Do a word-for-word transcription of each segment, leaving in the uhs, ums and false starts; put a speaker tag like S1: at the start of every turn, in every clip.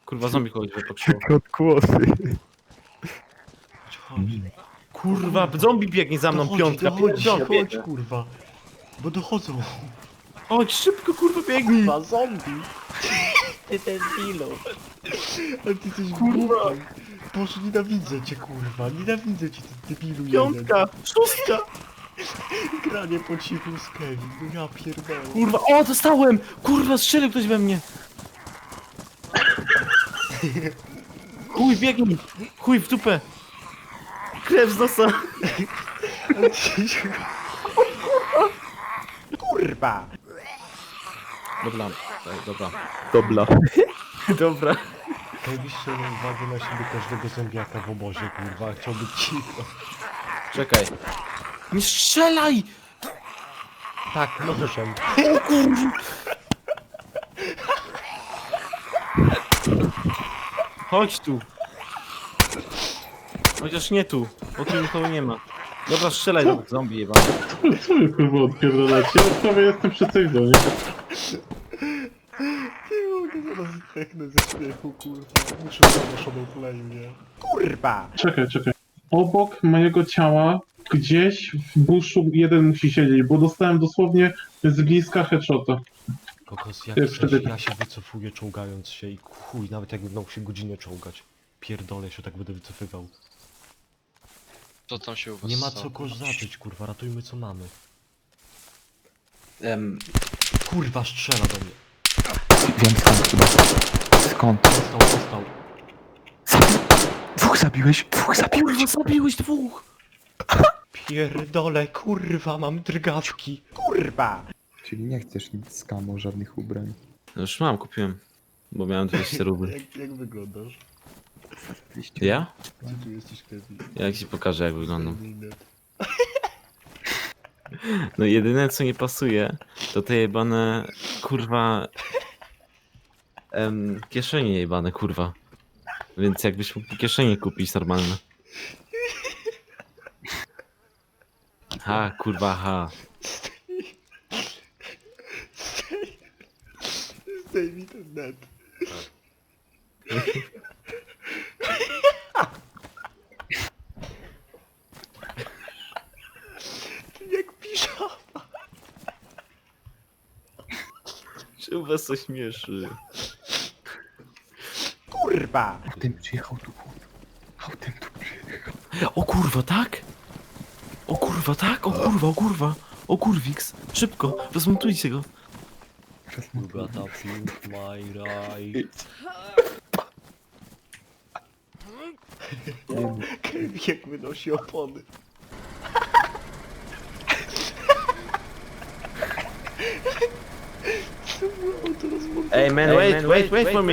S1: Kurwa, zombie kogoś wypatrzyło.
S2: Tylko odgłosy.
S3: Chodź,
S1: Kurwa, zombie biegnie za mną,
S3: dochodzi,
S1: piątka,
S3: dochodzi,
S1: pierdolę.
S3: chodź, kurwa. Bo dochodzą.
S1: Chodź, szybko, kurwa, biegnij.
S3: Dwa zombie. Ty ten debilu. Ale ty jesteś kurwa. Boże, nienawidzę cię, kurwa. Nienawidzę cię, ty debilu
S1: Piątka, szóstka.
S3: jeden. Granie po cichu z Kevin. No ja pierdolę.
S1: Kurwa, o, dostałem! Kurwa, strzelił ktoś we mnie. Chuj, biegnij. Chuj, w dupę. Krew z nosa.
S3: Kurwa.
S1: Dobra, tak, dobra.
S2: Dobra.
S1: Dobra.
S3: Kevin strzelał uwagę na siebie każdego zombiaka w obozie, kurwa. Chciał być cicho.
S1: Czekaj. Nie strzelaj!
S3: Tak, nożem.
S1: O kurwa! Chodź tu. Chociaż nie tu, bo tu nikogo nie ma. Dobra, strzelaj do tych zombie jeba.
S4: Co wy kurwa odpierdalacie? Ja prawie jestem przy tej zonie.
S3: Nie mogę, zaraz zdechnę ze śmiechu, kurwa. Muszę zanoszony play, nie? Kurwa!
S4: Czekaj, czekaj. Obok mojego ciała, gdzieś w buszu jeden musi siedzieć, bo dostałem dosłownie z bliska headshota.
S3: Kokos, jak
S4: Ty,
S3: chcesz,
S4: wtedy-
S3: ja się wycofuję czołgając się i chuj, nawet jakbym miał się godzinę czołgać. Pierdolę się, tak będę wycofywał.
S5: Co tam się u was
S3: Nie ma
S5: stało?
S3: co kozaczyć, kurwa, ratujmy co mamy.
S1: Em,
S3: Kurwa, strzela do mnie.
S2: Wiem skąd chyba. Skąd?
S3: Dostał, dostał.
S2: Dwóch zabiłeś, dwóch zabiłeś.
S1: kurwa, zabiłeś dwóch!
S3: Pierdolę, kurwa, mam drgawki. Kurwa!
S2: Czyli nie chcesz nic z kamo, żadnych ubrań.
S1: No już mam, kupiłem. Bo miałem dwieście rubli.
S3: Jak, jak wyglądasz?
S2: Oczywiście.
S1: Ja?
S3: Gdzie tu jesteś, Kevin?
S1: Ja ci pokażę jak wyglądam.
S3: Kevin.
S1: No jedyne co nie pasuje, to te jebane, kurwa... Em, kieszenie jebane, kurwa. Więc jakbyś mógł kieszenie kupić normalne. Ha, kurwa, ha.
S3: Zdejmij ten net. Ty jak piżama.
S1: Czy was to śmieszy?
S3: Kurwa!
S2: Autem przyjechał tu chłop. Autem tu przyjechał.
S1: O kurwa, tak? O kurwa, tak? O kurwa, o kurwa. O kurwiks. Szybko, rozmontujcie go.
S3: You gotta pink my right. Kevin jak wynosi opony. Co było to rozmontowane?
S1: Ej man, wait, wait, wait for me.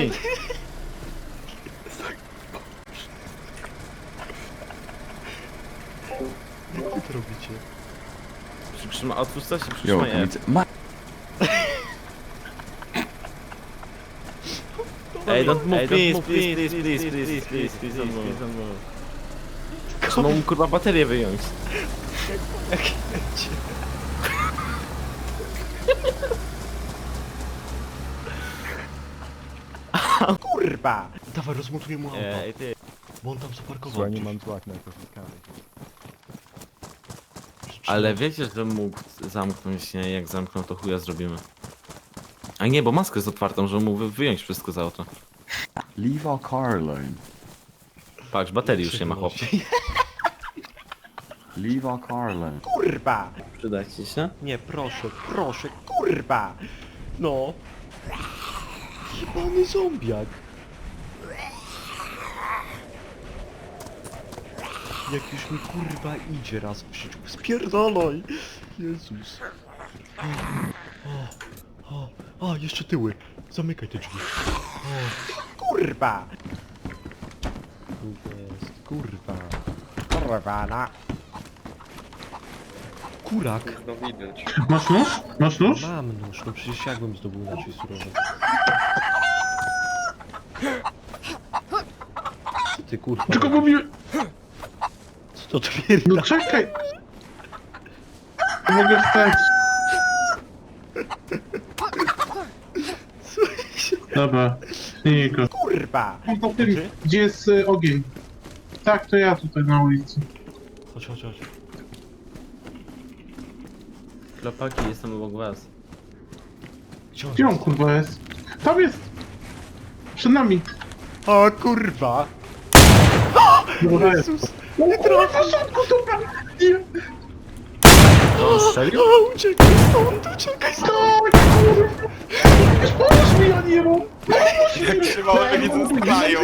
S3: Jak wy to robicie?
S1: Przytrzyma, otwórz coś i
S2: Jo,
S1: przytrzymaj
S2: to
S1: F.
S2: widzę. Ma...
S1: Ej, don't move, please, please, please, please, please, please, please, don't move. Trzeba mu kurwa baterię wyjąć.
S3: Jak lecie? Kurwa! Dawaj, rozmontuję mu auto,
S1: Ej, ty.
S3: bo on tam zaparkował.
S2: nie mam złak na to
S1: Ale wiecie, że mógł zamknąć, nie? Jak zamknął, to chuja zrobimy. A nie, bo maskę jest otwartą, że mógł wyjąć wszystko z auta.
S2: Leave our car alone.
S1: Patrz, baterii już nie ma, chłop.
S2: Leave our car alone.
S3: Kurwa!
S1: Przyda ci się?
S3: Nie, proszę, proszę, kurwa! No! Jebany zombiak! Jak już mi kurwa idzie raz w życiu, spierdolaj! Jezus! O, o, o, a, jeszcze tyły! Zamykaj te drzwi! O, kurwa! Tu jest, kurwa! Kurwa, na! Kurak!
S5: No widać.
S4: Masz nóż? Masz nóż?
S3: Mam nóż, no przecież jakbym zdobył inaczej surowe. Co ty kurwa?
S4: Tylko mówiłem...
S3: Co to twierdzi?
S4: No czekaj! Nie mogę wstać. Dobra, Niko.
S3: Kurwa!
S4: Tam za
S3: To
S4: tym,
S3: ty?
S4: gdzie jest y, ogień. Tak, to ja tutaj na ulicy.
S3: Chodź, chodź, chodź.
S1: Klopaki, jestem obok was.
S3: Gdzie on
S4: Gdzie on
S3: jest?
S4: kurwa jest? Tam jest! Przed nami!
S3: O kurwa!
S4: Dobra jest.
S3: Jezus!
S4: Nie trafię! Dobra! Nie!
S1: On strzelił?
S3: O, uciekaj stąd, uciekaj stąd!
S4: Tak, kurwa! Pomóż mi, Aniero!
S2: Jak się małe nie zostają.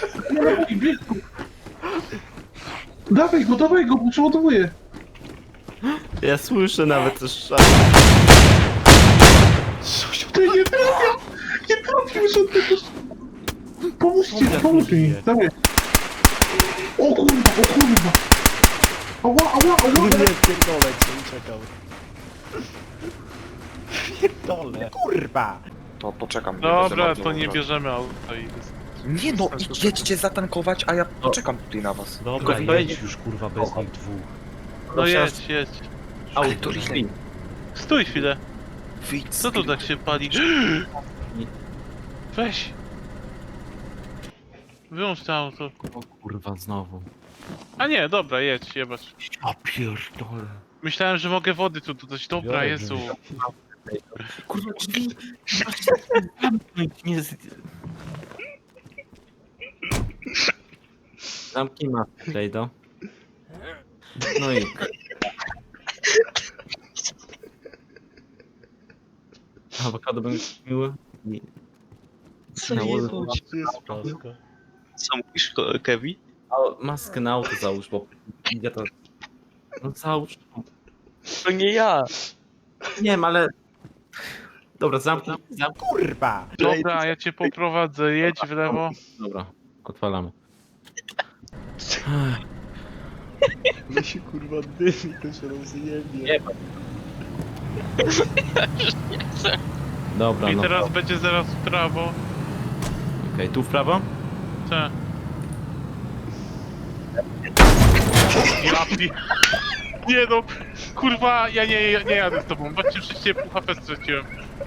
S4: Dawaj go, dawaj go, bo przeładowuję.
S1: Ja słyszę nawet też szal.
S3: Sosiu,
S4: Ty nie trafiam! Nie trafił żadnego... Pomóżcie,
S3: Dobra,
S4: pomóż mi,
S3: nie.
S4: dawaj. O kurwa, o kurwa! Ała, ała, ała!
S3: nie pierdolę cię, uciekał. Pierdolę. Kurwa!
S2: To poczekam. nie
S6: Dobra,
S2: będę
S6: to
S2: bardzo
S6: nie
S2: obrażał.
S6: bierzemy auta i...
S2: Nie no, idź- jedźcie zatankować, a ja poczekam tutaj na was.
S3: Dobra,
S1: Tylko
S3: jedź już kurwa bez nich dwóch.
S6: No jedź, jedź.
S2: Ale to ile?
S6: Stój chwilę.
S2: Wyjdź z
S6: Co tu
S2: gry.
S6: tak się pali? Weź. Wyłącz to auto.
S1: O kurwa, znowu.
S6: A nie, dobra, jedź, jebać.
S1: A pierdolę.
S6: Myślałem, że mogę wody tu dodać. Dobra,
S3: Biorę,
S6: Jezu.
S1: Kurwa, drzwi! Nie z... Zamknij maskę, Jado. No i... Awokado będzie miły. I...
S7: Co
S1: Na
S7: jebać?
S1: łodę-
S3: Gdzie jest paska?
S7: Co mówisz, Ko- Kevin?
S1: A, maskę na auto załóż, bo... Ja to... No załóż.
S7: To nie ja.
S1: Nie wiem, ale... Dobra, zamknij, zamknij.
S3: Kurwa!
S6: Dobra, ja cię poprowadzę. Jedź w lewo.
S1: Dobra, odpalamy.
S3: My się kurwa dymi, to się rozjebie.
S1: Nie. Dobra,
S6: I
S1: no.
S6: teraz
S1: Okej,
S6: będzie zaraz w prawo.
S1: tu w prawo?
S6: Tak. Ja pi... Nie no, kurwa, ja nie, ja nie jadę z tobą. Patrzcie, przecież pół H P straciłem.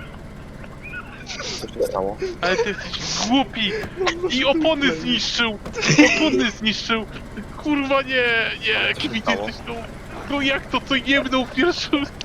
S2: Co się stało?
S6: Ale ty jesteś głupi! I opony zniszczył! Opony zniszczył! Kurwa nie, nie,
S2: Co się
S6: Kwit,
S2: stało?
S6: jesteś tą... No jak to, co jebnął w pierwszym...